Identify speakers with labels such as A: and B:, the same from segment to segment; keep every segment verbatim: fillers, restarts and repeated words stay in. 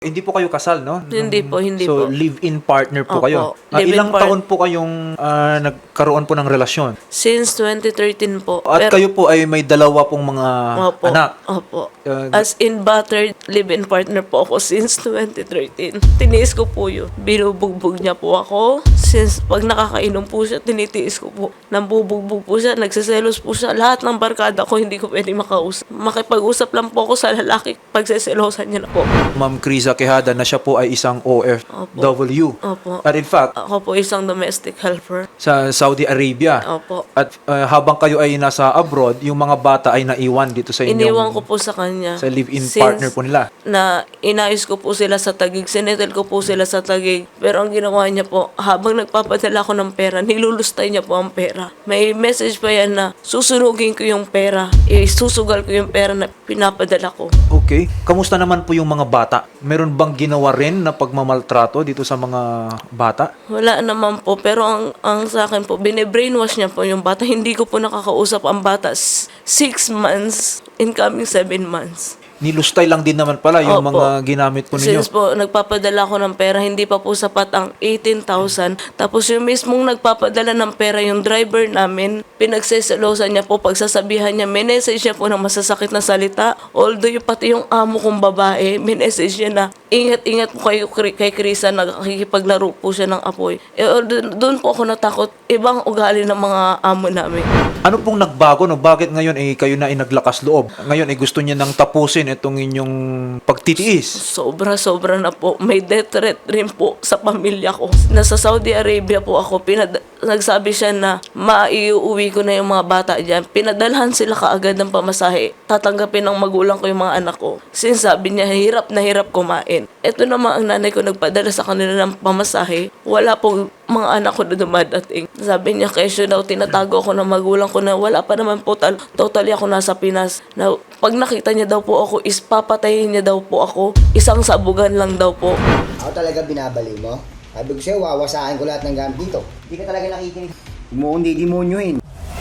A: Hindi po kayo kasal, no?
B: Hindi po, hindi
A: so,
B: po.
A: live-in partner po
B: Opo,
A: kayo. Ah,
B: live-in
A: ilang
B: part-
A: taon po kayong ah, nagkaroon po ng relasyon?
B: Since twenty thirteen po.
A: At
B: Pero-
A: kayo po ay may dalawa pong mga
B: Opo,
A: anak.
B: Opo.
A: Uh,
B: As in battered live-in partner po ako since twenty thirteen. Tiniis ko po yun. Binubugbog niya po ako. Since pag nakakainom po siya, tinitiis ko po. Nambubugbog po siya, nagsiselos po siya. Lahat ng barkada ko hindi ko pwede makausap. Makipag-usap lang po ako sa lalaki. Pagseselosan niya na po.
A: Ma'am Criza Quijada na siya po ay isang O F W.
B: Opo.
A: At in fact,
B: Ako po isang domestic helper.
A: sa Saudi Arabia.
B: Opo.
A: At uh, habang kayo ay nasa abroad, yung mga bata ay naiwan dito sa inyong
B: Iniwan ko po sa kanya.
A: sa live-in
B: Since
A: partner po nila.
B: Na inayos ko po sila sa Taguig. Sinetel ko po sila sa Taguig. Pero ang ginawa niya po, habang nagpapadala ko ng pera, nilulustay niya po ang pera. May message pa yan na susunugin ko yung pera. Isusugal ko yung pera na pinapadala ko.
A: Okay. Kamusta naman po yung mga bata? Meron bang ginawa rin na pagmamaltrato dito sa mga bata?
B: Wala naman po. Pero ang, ang sa akin po, bine-brainwash niya po yung bata. Hindi ko po nakakausap ang bata. S- Six months, incoming seven months.
A: Nilustay lang din naman pala yung
B: Opo.
A: mga ginamit po ninyo.
B: Since po, nagpapadala ko ng pera, hindi pa po sapat ang eighteen thousand. Tapos yung mismong nagpapadala ng pera, yung driver namin, pinagseselosan niya po, pagsasabihan niya, minessage niya po ng masasakit na salita. Although yung pati yung amo kong babae, minessage niya na, ingat-ingat po kayo kay, kay Krisa, nagkikipaglaro po siya ng apoy. Eh, doon po ako natakot, ibang ugali ng mga amo namin.
A: Ano pong nagbago? No? Bakit ngayon eh, kayo na ay naglakas loob? Ngayon eh, gusto niya nang tapusin itong inyong pagtitiis.
B: Sobra-sobra na po. May death threat rin po sa pamilya ko. Nasa Saudi Arabia po ako. Pinad- nagsabi siya na maiuwi ko na yung mga bata dyan. Pinadalhan sila kaagad ng pamasahe. Tatanggapin ng magulang ko yung mga anak ko. Since sabi niya, hirap na hirap kumain. Ito naman ang nanay ko nagpadala sa kanila ng pamasahe. Wala po mga anak ko na dumadating. Sabi niya, kesyo daw, tinatago ako ng magulang ko na wala pa naman po, tal- totally ako nasa Pinas. Na pag nakita niya daw po ako, is papatayin niya daw po ako. Isang sabugan lang daw po.
C: Ako talaga binabali mo. Sabi ko sa'yo, wawasakin ko lahat ng gamit dito. Hindi ka talaga nakikinig. Huwag mo kong didimonyohin.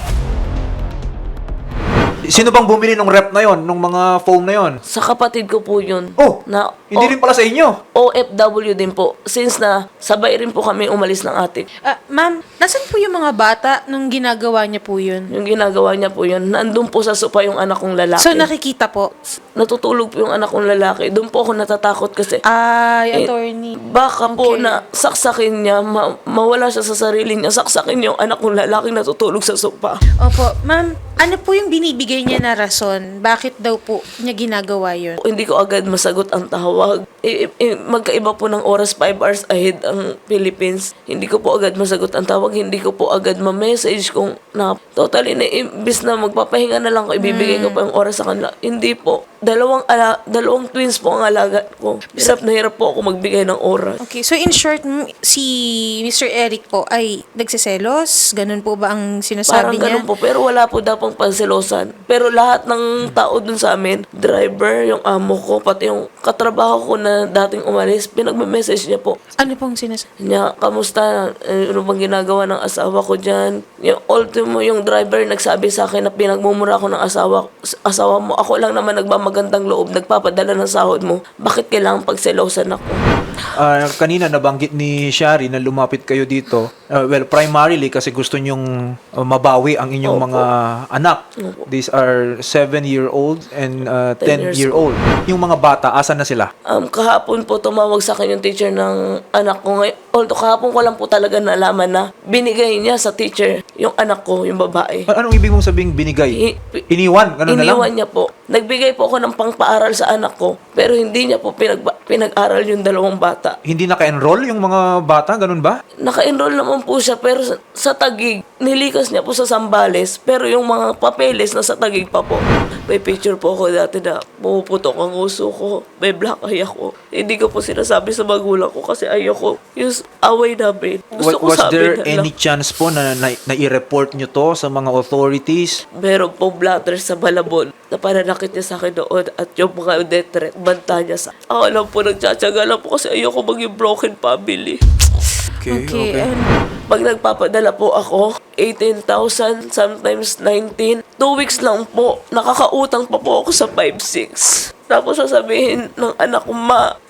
A: Sino bang bumili ng rep na yon, nung mga foam na yon?
B: Sa kapatid ko po yun.
A: Oh,
B: Na
A: hindi
B: O-
A: rin pala sa inyo.
B: O F W din po. Since na sabay rin po kami umalis ng atik.
D: Ah, ma'am, nasan po yung mga bata nung ginagawa niya po yun?
B: Yung ginagawa niya po yun, nandun po sa sopa yung anak kong lalaki.
D: So, nakikita po.
B: Natutulog po yung anak kong lalaki. Doon po ako natatakot kasi
D: Ay,
B: Eh,
D: attorney.
B: baka po
D: Okay.
B: na saksakin niya, ma- mawala siya sa sarili niya, saksakin yung anak kong lalaki natutulog sa sopa.
D: Opo, ma'am, ano po yung binibigay niya na rason? Bakit daw po niya ginagawa yun?
B: Hindi ko agad masagot ang tawag. I- i- i- magkaiba po ng oras, five hours ahead ang Philippines. Hindi ko po agad masagot ang tawag. Hindi ko po agad ma-message kung na totally na imbis na magpapahinga na lang ko, ibibigay ko pa yung oras sa kanila. Hindi po. Dalawang, ala, dalawang twins po ang alaga ko. Hirap na hirap po ako magbigay ng oras.
D: Okay, so in short, m- si Mister Eric po ay nagsiselos? Ganun po ba ang
B: Parang
D: sinasabi niya?
B: ganun po. Pero wala po daw pong panselosan. Pero lahat ng tao dun sa amin, driver, yung amo ko, pati yung katrabaho ko na dating umalis, pinagme-message niya po.
D: Ano pong sinasabi?
B: Niya, kamusta? Eh, Ano bang ginagawa ng asawa ko dyan? Yung ultimo, yung driver nagsabi sa akin na pinagmumura ko ng asawa, asawa mo. Ako lang naman nagmamagandang loob, nagpapadala ng sahod mo. Bakit kailangan pagselosan ako?
A: Ah, kanina nabanggit ni Shari na lumapit kayo dito. Ah, well, primarily kasi gusto nyong ah, mabawi ang inyong
B: Opo.
A: mga anak.
B: Opo.
A: These are seven-year-old and uh,
B: Ten years
A: ten-year-old. Yung mga bata, asan na sila?
B: Um, kahapon po tumawag sa akin yung teacher ng anak ko ngayon. Although kahapon ko lang po talaga nalaman na binigay niya sa teacher yung anak ko, yung babae.
A: A- Anong ibig mong sabing binigay?
B: I-
A: Iniwan? Ganun na lang?
B: Iniwan niya po. Nagbigay po ako ng pangpaaral sa anak ko, pero hindi niya po pinag pinag-aral yung dalawang bata.
A: Hindi naka-enroll yung mga bata? Ganun ba?
B: Naka-enroll naman po siya, pero sa, sa Taguig, nilikas niya po sa Zambales, pero yung mga papeles na sa Taguig pa po. May picture po ako dati na pumuputok ang uso ko, may black eye ako. Hindi ko po sinasabi sa magulang ko kasi ayoko yung away namin. Gusto
A: Wa-
B: ko
A: Was
B: sabi
A: there
B: na lang.
A: any chance po na, na, na i-report nyo to sa mga authorities?
B: Meron pong blatter sa Malabon na pananakit niya sa akin noon at yung mga death threat, banta niya sa ako lang po nagtsatsaga lang po kasi ayoko maging broken family.
A: Okay,
D: Okay, and
B: Pag nagpapadala po ako, eighteen thousand, sometimes nineteen. Two weeks lang po, nakakautang pa po ako sa five six. Tapos sasabihin ng anak ko, ma,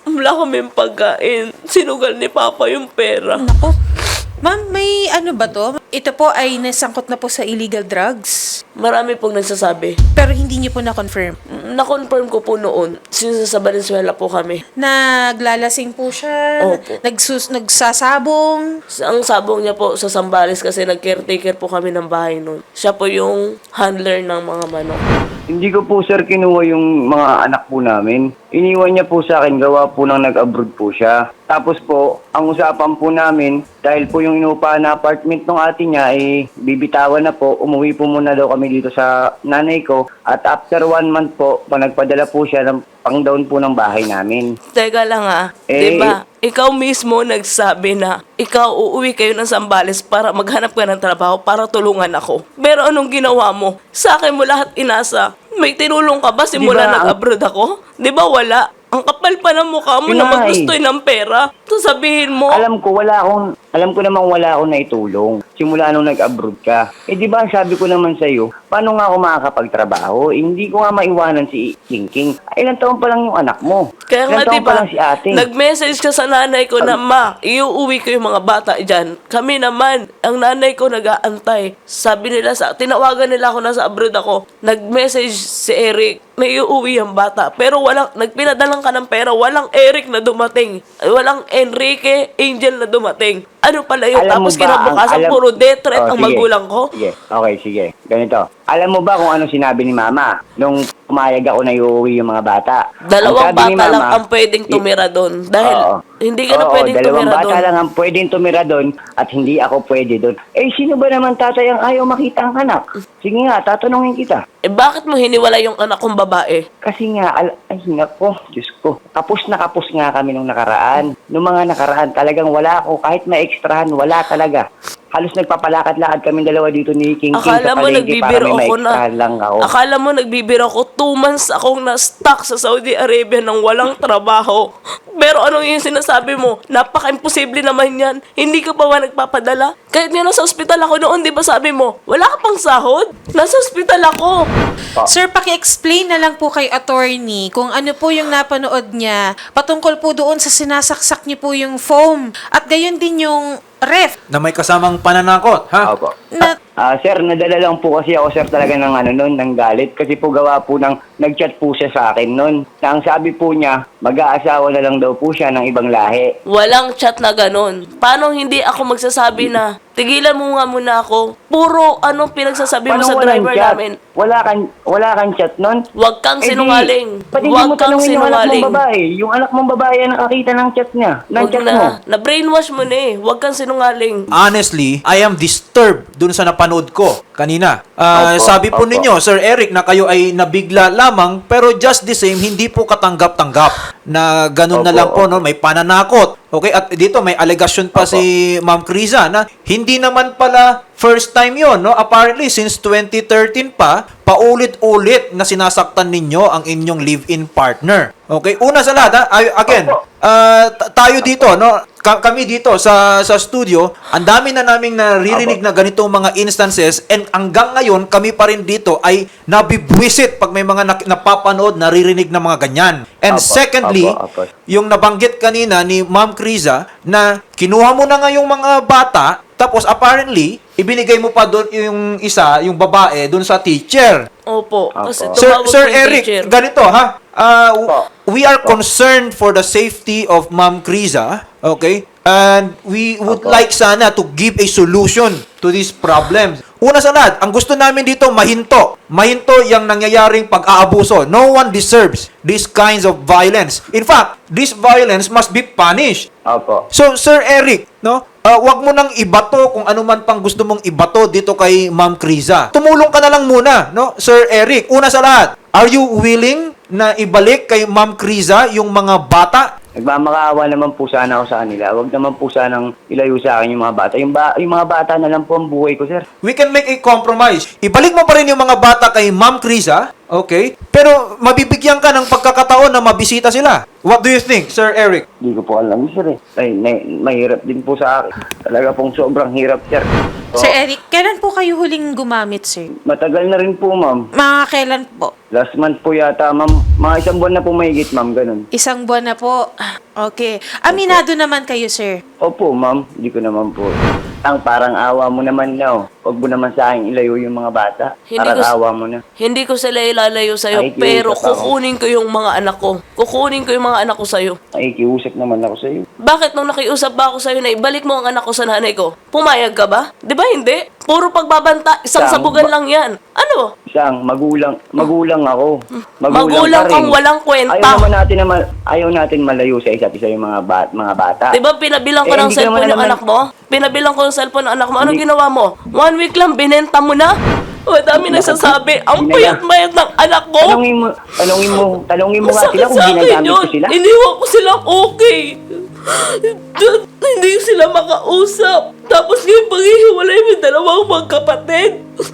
B: Wala kaming pagkain. Sinugal ni Papa yung pera.
D: Nako. Ma'am, may ano ba to? Ito po ay nasangkot na po sa illegal drugs.
B: Marami pong nagsasabi.
D: Pero hindi niyo po na-confirm.
B: Na-confirm ko po noon, since sa Valenzuela po kami.
D: Naglalasing po siya.
B: Opo.
D: Nagsus nagsasabong.
B: Ang sabong niya po sa Zambales kasi nag-caretaker po kami ng bahay noon. Siya po yung handler ng mga manok.
E: Hindi ko po sir kinuha yung mga anak po namin. Iniwan niya po sa akin, gawa po nang nag-abroad po siya. Tapos po, ang usapan po namin, dahil po yung inuupahan na apartment ng ate niya, eh, bibitawan na po. Umuwi po muna daw kami dito sa nanay ko. At after one month po, pa nagpadala po siya ng pang-down po ng bahay namin.
B: Teka lang ah,
E: Eh,
B: di ba? Ikaw mismo nagsabi na ikaw uuwi kayo ng Zambales para maghanap ka ng trabaho para tulungan ako. Pero anong ginawa mo? Sa akin mo lahat inasa. May tinulong ka ba simula
E: Di ba,
B: nag-abroad ako? Di ba wala? Ang kapal pa ng mukha mo
E: Yun
B: na
E: na nga
B: maggustoy ng pera. Sasabihin mo,
E: Alam ko, wala akong, alam ko namang wala akong naitulong. Simula nung nag-abroad ka. Eh di ba, sabi ko naman sa'yo, paano nga ako makakapagtrabaho? Eh, hindi ko nga maiwanan si King King. Ay, ilang taon pa lang yung anak mo.
B: kaya nga
E: Ilang taon
B: di
E: pa
B: ba,
E: lang si ate.
B: nag-message ka sa nanay ko na, ma, iuuwi ko yung mga bata dyan. Kami naman, ang nanay ko nag-aantay. Sabi nila, sa tinawagan nila ako na sa abroad ako. Nag-message si Eric, may iuuwi ang bata. Pero walang, nagpinadalang ka ng pera, walang Eric na dumating. Walang Enrique Angel na dumating. Ano pala yun?
E: Alam mo
B: Tapos
E: ba,
B: kinabukasan,
E: ang- alam-
B: puro death threat
E: Oh,
B: ang
E: sige.
B: magulang ko.
E: Sige, okay, sige. Ganito. Alam mo ba kung ano sinabi ni Mama nung pumayag ako na iuwi yung mga bata?
B: Dalawang
E: Ang sabi ni
B: bata lang
E: Mama,
B: ang pwedeng
E: i-
B: tumira doon. Dahil
E: Oo.
B: hindi ka na
E: Oo,
B: pwedeng
E: dalawang
B: tumira
E: bata
B: doon.
E: lang ang pwedeng tumira doon at hindi ako pwede doon. Eh, sino ba naman tatay ang ayaw makita ang anak? Sige nga, tatanungin kita.
B: Eh bakit mo hiniwala yung anak kong babae?
E: Kasi nga, al- ay nako, Diyos ko. Kapos na kapos nga kami nung nakaraan. Nung mga nakaraan, talagang wala ako. Kahit ma-extrahan, wala talaga. Halos nagpapalakad-lakad kami dalawa dito ni King King
B: Akala
E: sa
B: mo
E: palengke para
B: nagbibiro
E: may
B: ako na.
E: ma-extrahan lang ako.
B: Akala mo nagbibiro ako. Two months akong na-stuck sa Saudi Arabia nang walang trabaho. Pero anong yung sinasabi mo? Napaka-imposible naman yan. Hindi ka pa ba nagpapadala? Kahit nga nasa ospital ako noon, di ba sabi mo, wala ka pang sahod? Nasa ospital ako.
D: Sir, paki-explain na lang po kay attorney kung ano po yung napanood niya patungkol po doon sa sinasaksak niyo po yung foam at gayon din yung ref
A: Na may kasamang pananakot, ha?
E: Opo.
D: na
E: Ah, sir, nadala lang po kasi ako, sir, talaga ng ano nun, ng galit. Kasi po gawa po ng, nag-chat po siya sa akin nun. Na ang sabi po niya, mag-aasawa na lang daw po siya ng ibang lahi.
B: Walang chat na ganun. Paano hindi ako magsasabi na, tigilan mo nga muna ako. Puro anong pinagsasabi mo sa
E: walang
B: driver
E: chat?
B: namin.
E: Wala kang, wala kang chat nun?
B: Huwag kang
E: Eh di,
B: sinungaling.
E: ba't hindi
B: Huwag
E: mo
B: kang
E: tanungin yung anak
B: sinungaling.
E: mong babae? Yung anak mong babae ang nakakita ng chat niya. Ng
B: Huwag
E: chat
B: na.
E: mo.
B: Na-brainwash mo na eh. Huwag kang sinungaling.
A: Honestly, I am disturbed dun sa napanood ko kanina. Ah,
E: Opo,
A: sabi po
E: opo.
A: ninyo, Sir Eric, na kayo ay nabigla lamang, pero just the same, hindi po katanggap-tanggap na ganun na
E: Opo,
A: lang po,
E: opo.
A: no? May pananakot. Okay, at dito may allegation pa si Ma'am Criza na hindi naman pala first time yon, no? Apparently, since twenty thirteen pa, paulit-ulit na sinasaktan ninyo ang inyong live-in partner. Okay, una sa lahat, ha? Ay- again,
E: Opo.
A: ah, t- tayo dito, no? Ka- kami dito sa sa studio, ang dami na naming naririnig na ganitong mga instances, and hanggang ngayon kami pa rin dito ay nabibwisit pag may mga nak- napapanood, naririnig na mga ganyan. And
E: Opo,
A: secondly,
E: opo, opo.
A: yung nabanggit kanina ni Ma'am Criza na kinuha mo na nga yung mga bata, tapos apparently, ibinigay mo pa doon yung isa, yung babae, doon sa teacher.
B: Opo. Kasi
E: Opo.
A: Sir,
B: tumawag
A: Sir
B: po yung
A: Eric,
B: teacher.
A: ganito ha. Ah, w-
E: Opo.
A: we are concerned for the safety of Ma'am Criza, okay? And we would
E: Opo.
A: like sana to give a solution to these problems. Una sa lahat, ang gusto namin dito mahinto. Mahinto yung nangyayaring pag-aabuso. No one deserves these kinds of violence. In fact, this violence must be punished.
E: Opo.
A: So, Sir Eric, no? Uh, wag mo nang ibato kung ano man pang gusto mong ibato dito kay Ma'am Criza. Tumulong ka na lang muna, no? Sir Eric, una sa lahat, are you willing na ibalik kay Ma'am Criza yung mga bata?
E: Nagmamakaawa naman po sana ako sa kanila. Huwag naman po sanang ilayo sa akin yung mga bata. Yung, ba- yung mga bata na lang po ang buhay ko, sir.
A: We can make a compromise. Ibalik mo pa rin yung mga bata kay Ma'am Criza, Okay? Pero mabibigyan ka ng pagkakataon na mabisita sila. What do you think, Sir Eric?
E: Hindi ko po alam, sir eh. Ay, na- mahirap din po sa akin. Talaga pong sobrang hirap, sir. So,
D: Sir Eric, kailan po kayo huling gumamit, sir?
E: matagal na rin po, ma'am.
D: Mga kailan po?
E: Last month po yata, ma'am. Mga isang buwan na po mahigit, ma'am. Ganun.
D: Isang buwan na po. Okay. Aminado naman kayo, sir.
E: Opo, ma'am. Hindi ko naman po. Ang parang awa mo naman na, oh. Huwag mo naman sa akin ilayo yung mga bata.
B: Hindi
E: Parang
B: ko s-
E: awa mo na.
B: Hindi ko sila ilalayo sa'yo,
E: Ay,
B: pero
E: kiusap ako.
B: kukunin ko yung mga anak ko. Kukunin ko yung mga anak ko sa'yo.
E: Ay, kiusap naman ako sa'yo.
B: Bakit nung nakiusap ba ako sa'yo na ibalik mo ang anak ko sa nanay ko? Pumayag ka ba? Di ba hindi? Puro pagbabanta, isang
E: Sam,
B: sabugan
E: ba-
B: lang yan. Ano?
E: Isang, magulang, magulang ako.
B: Magulang
E: pa rin.
B: kang walang kwenta.
E: Ayaw naman natin na ma- ayaw natin malayo sa isa't isa yung mga, bat, mga bata.
B: Di ba pinabilang ko
E: Eh,
B: ng
E: hindi ka
B: cellphone
E: naman
B: yung
E: naman-
B: anak mo? Pinabilang ko ng cellphone ng anak mo. Anong
E: Hindi-
B: ginawa mo? One week lang, binenta mo na? O, dami nagsasabi, ang
E: Hindi na-
B: payat-mayat ng anak ko.
E: Talungin mo, talungin mo, talungin mo nga
B: Masakit
E: sila kung
B: sa akin
E: ginagamit
B: yun.
E: ko sila.
B: Iniwan ko silang okay. Dun, hindi sila makausap. Tapos ngayon paghihiwalay mo yung dalawang magkapatid.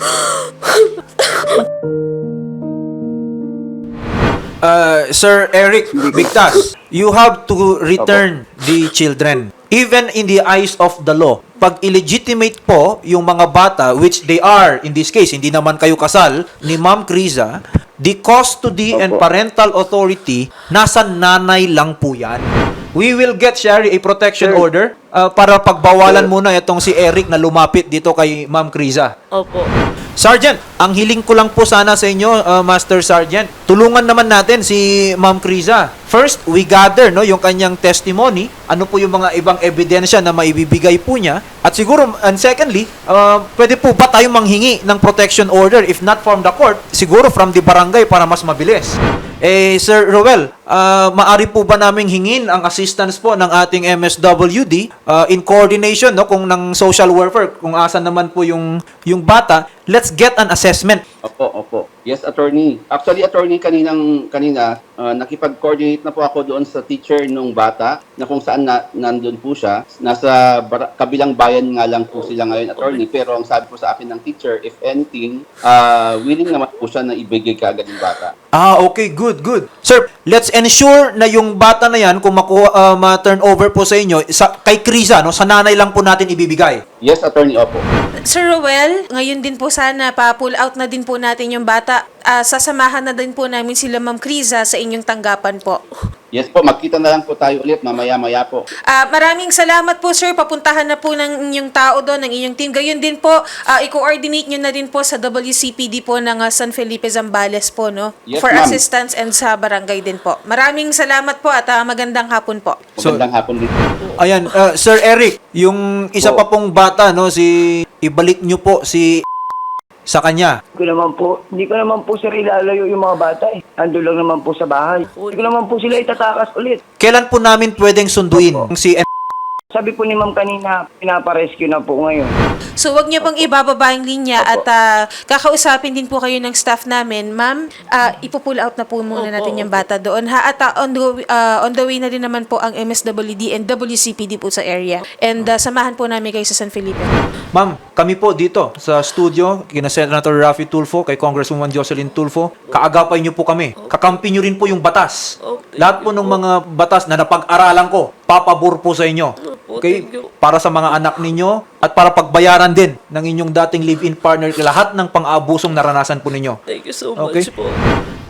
A: Uh, Sir Eric Victas, you have to return the children. Even in the eyes of the law, pag illegitimate po yung mga bata, which they are, in this case, hindi naman kayo kasal, ni Ma'am Criza, the custody and
E: Opo.
A: parental authority, nasa nanay lang po yan. We will get, Sherry, a protection
E: Sir.
A: order uh, para pagbawalan
E: Sir.
A: muna itong si Eric na lumapit dito kay Ma'am Criza.
B: Opo.
A: Sergeant, ang hiling ko lang po sana sa inyo, uh, Master Sergeant, tulungan naman natin si Ma'am Criza. First, we gather no yung kanyang testimony, ano po yung mga ibang ebidensya na maibibigay po niya. At siguro, and secondly, uh, pwede po ba tayong manghingi ng protection order if not from the court, siguro from the barangay para mas mabilis. Eh, Sir Roel, uh, maari po ba naming hingin ang assistance po ng ating M S W D uh, in coordination no kung ng social welfare, kung asan naman po yung yung bata, let's get an assessment.
F: Opo, opo. Yes, attorney. Actually, attorney, kaninang, kanina, uh, nakipag-coordinate na po ako doon sa teacher nung bata na kung saan na, nandun po siya. Nasa bara- kabilang bayan nga lang po sila ngayon, attorney. Pero ang sabi po sa akin ng teacher, if anything, uh, willing naman po siya na ibigay kaagad yung bata.
A: Ah, okay, good, good. Sir, let's ensure na yung bata na yan, kung makuha, uh, ma-turn over po sa inyo, sa, kay Criza, no, sa nanay lang po natin ibibigay.
F: Yes, attorney, opo.
D: Sir Roel, ngayon din po sana pa-pull out na din po natin yung bata. Ah, sasamahan na din po namin sila Ma'am Criza sa inyong tanggapan po.
F: Yes po, magkita na lang po tayo ulit mamaya-maya po.
D: Ah, maraming salamat po, sir. Papuntahan na po ng inyong tao doon, ng inyong team. Gayon din po, ah, i-coordinate nyo na din po sa W C P D po ng ah, San Felipe Zambales po, no?
F: Yes,
D: For
F: ma'am.
D: assistance and sa barangay din po. Maraming salamat po at ah, magandang hapon po.
A: So-
F: Magandang hapon din.
A: Ayan, uh, Sir Eric, yung isa pa pong bata, no, si, ibalik nyo po si sa kanya.
E: Hindi ko naman po, hindi ko naman po sir ilalayo yung mga bata eh. Ando lang naman po sa bahay. Hindi ko naman po sila itatakas ulit.
A: Kailan po namin pwedeng sunduin si
E: Sabi po ni ma'am kanina, pinaparescue na po ngayon.
D: So, wag niyo pong ibababa yung linya at ah, kakausapin din po kayo ng staff namin. Ma'am, ah, ipo-pull out na po muna
B: Opo,
D: natin yung bata doon. Ha? At ah, on, the, ah, on the way na din naman po ang M S W D and W C P D po sa area. And ah, samahan po namin kayo sa San Felipe.
A: Ma'am, kami po dito sa studio, kina Senator Raffy Tulfo, kay Congresswoman Jocelyn Tulfo, kaagapay niyo po kami. Kakampi niyo rin po yung batas.
B: Oh, thank
A: Lahat po ng mga batas na napag-aralan ko, papabor po sa inyo.
B: Opo,
A: Okay?
B: thank you.
A: Para sa mga anak ninyo at para pagbayaran din ng inyong dating live-in partner lahat ng pang-abusong naranasan po ninyo.
B: Thank you so
A: Okay.
B: much po.